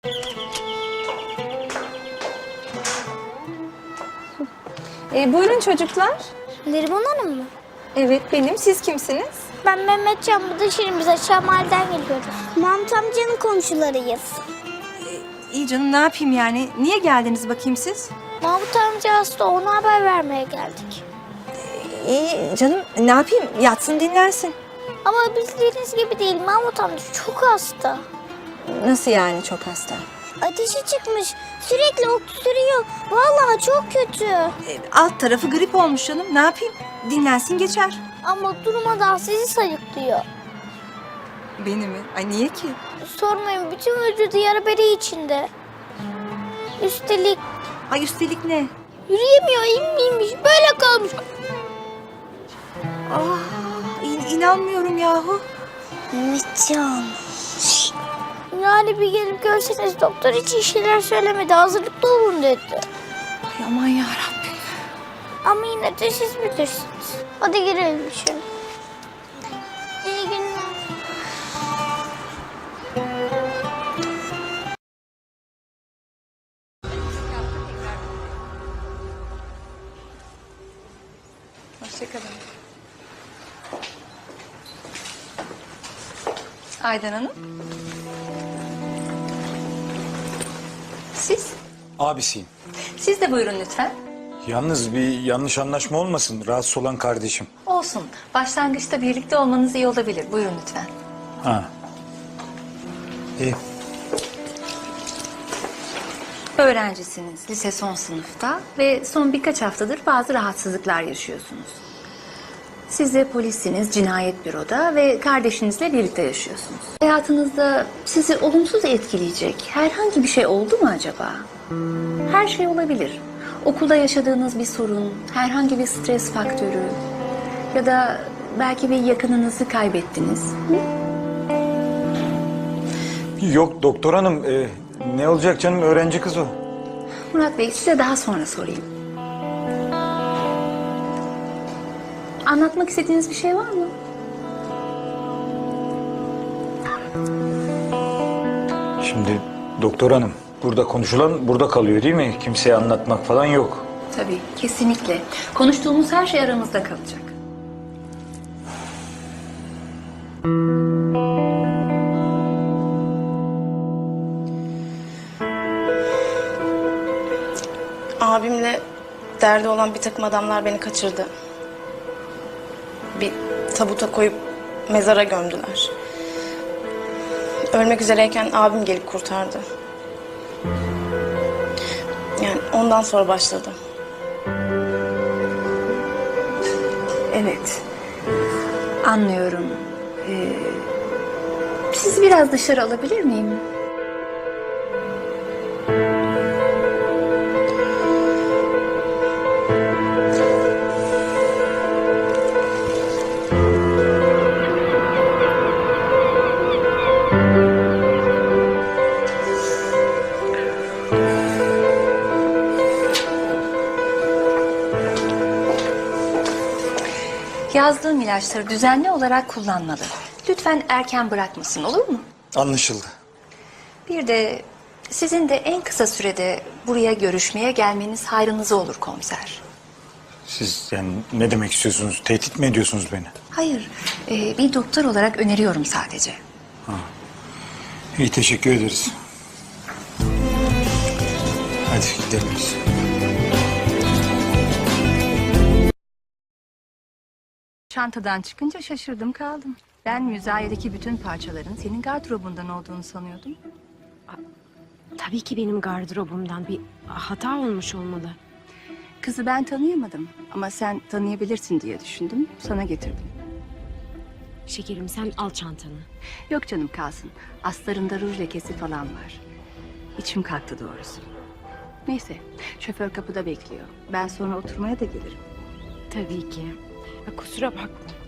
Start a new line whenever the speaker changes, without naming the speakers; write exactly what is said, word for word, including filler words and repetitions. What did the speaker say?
E, buyurun çocuklar.
Neriman Hanım mı?
Evet benim. Siz kimsiniz?
Ben Mehmetcan, bu da Şirin. Biz aşağı mahalleden geliyoruz. Mahmut amcanın komşularıyız.
İyi canım ne yapayım yani? Niye geldiniz bakayım siz?
Mahmut amca hasta, ona haber vermeye geldik.
İyi canım ne yapayım? Yatsın dinlensin.
Ama bildiğiniz gibi değil, Mahmut amca çok hasta.
Nasıl yani çok hasta?
Ateşi çıkmış, sürekli öksürüyor. Vallahi çok kötü.
E, alt tarafı grip olmuş canım. Ne yapayım? Dinlensin geçer.
Ama durmadan sizi sayıklıyor.
Beni mi? Ay niye ki?
Sormayın, bütün vücudu yara bere içinde. Üstelik
Ay üstelik ne?
yürüyemiyor, inmiymiş, böyle kalmış.
Ah, in- inanmıyorum yahu.
Mehmetcan. Yani bir gelip görseniz, doktor hiç iyi şeyler söylemedi. Hazırlıklı olun dedi.
Ay aman yarabbim.
Ama yine de siz bilirsiniz. Hadi girelim şimdi. İyi günler.
Hoşçakalın. Aydan Hanım. Siz?
Abisiyim.
Siz de buyurun lütfen.
Yalnız bir yanlış anlaşma olmasın. Rahatsız olan kardeşim.
Olsun. Başlangıçta birlikte olmanız iyi olabilir. Buyurun lütfen.
Ha. İyi.
Öğrencisiniz, lise son sınıfta ve son birkaç haftadır bazı rahatsızlıklar yaşıyorsunuz. Siz de polissiniz, cinayet büroda ve kardeşinizle birlikte yaşıyorsunuz. Hayatınızda sizi olumsuz etkileyecek herhangi bir şey oldu mu acaba? Her şey olabilir. Okulda yaşadığınız bir sorun, herhangi bir stres faktörü ya da belki bir yakınınızı kaybettiniz. Hı?
Yok doktor hanım. e, ne olacak canım, öğrenci kız o.
Murat Bey, size daha sonra sorayım. Anlatmak istediğiniz bir şey var mı?
Şimdi doktor hanım, burada konuşulan burada kalıyor değil mi? Kimseye anlatmak falan yok.
Tabii, kesinlikle. Konuştuğumuz her şey aramızda kalacak.
Abimle derdi olan bir takım adamlar beni kaçırdı. Bir tabuta koyup mezara gömdüler. Ölmek üzereyken abim gelip kurtardı. Yani ondan sonra başladı.
Evet, anlıyorum. Ee, sizi biraz dışarı alabilir miyim? Yazdığım ilaçları düzenli olarak kullanmalı. Lütfen erken bırakmasın, olur mu?
Anlaşıldı.
Bir de sizin de en kısa sürede buraya görüşmeye gelmeniz hayrınıza olur komiser.
Siz yani ne demek istiyorsunuz? Tehdit mi ediyorsunuz beni?
Hayır, e, bir doktor olarak öneriyorum sadece.
İyi, teşekkür ederiz. Hadi gidelim biz.
Çantadan çıkınca şaşırdım kaldım. Ben müzayedeki bütün parçaların senin gardırobundan olduğunu sanıyordum.
Tabii ki benim gardırobumdan bir hata olmuş olmalı.
Kızı ben tanıyamadım ama sen tanıyabilirsin diye düşündüm, sana getirdim.
Şekerim, sen al çantanı.
Yok canım, kalsın. Astarında ruj lekesi falan var. İçim kalktı doğrusu. Neyse, şoför kapıda bekliyor. Ben sonra oturmaya da gelirim.
Tabii ki. Ya, kusura bakma.